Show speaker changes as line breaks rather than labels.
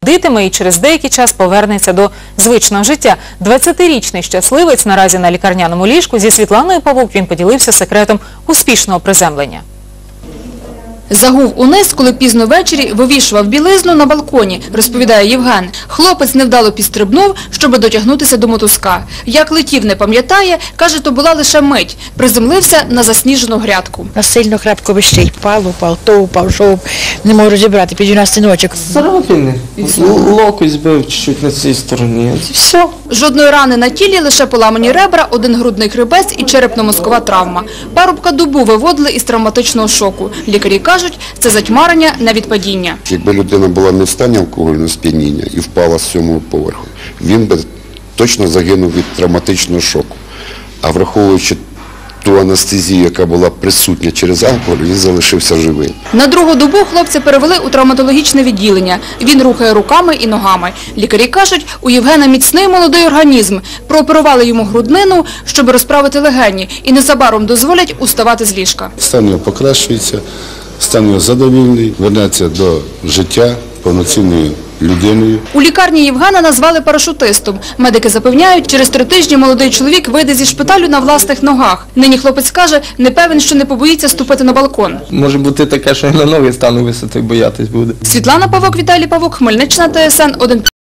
Дитиме і через деякий час повернеться до звичного життя. 20-річний щасливець наразі на лікарняному ліжку. Зі Світланою Павук він поділився секретом успішного приземлення.
Загув униз, коли пізно ввечері вивішував білизну на балконі, розповідає Євген. Хлопець невдало підстрибнув, щоб дотягнутися до мотузка. Як летів, не пам'ятає, каже, то була лише мить. Приземлився на засніжену грядку.
Сильно крапко вищить, упав, то упав, що не можу розібрати, під 12 ночок.
Царапини. Локоть збив чуть на цій стороні. Все.
Жодної рани на тілі, лише поламані ребра, один грудний хребець і черепно-мозкова травма. Парубка добу виводили із травматичного шоку. Лікарі кажуть, це затьмарення не від падіння.
Якби людина була не в стані алкогольного сп'яніння і впала з 7-го поверху, він би точно загинув від травматичного шоку. А враховуючи ту анестезію, яка була присутня через алкоголь, він залишився живий.
На другу добу хлопця перевели у травматологічне відділення. Він рухає руками і ногами. Лікарі кажуть, у Євгена міцний молодий організм. Прооперували йому груднину, щоб розправити легені, і незабаром дозволять уставати з ліжка.
Стан його покращується, стан його задовільний, вернеться до життя повноцінною людиною.
У лікарні Євгена назвали парашутистом. Медики запевняють, через 3 тижні молодий чоловік вийде зі шпиталю на власних ногах. Нині хлопець каже, не певен, що не побоїться ступити на балкон.
Може бути таке, що і на ноги стану висоти, боятись буде.
Світлана Павук, Віталій Павук, Хмельниччина, ТСН 1+.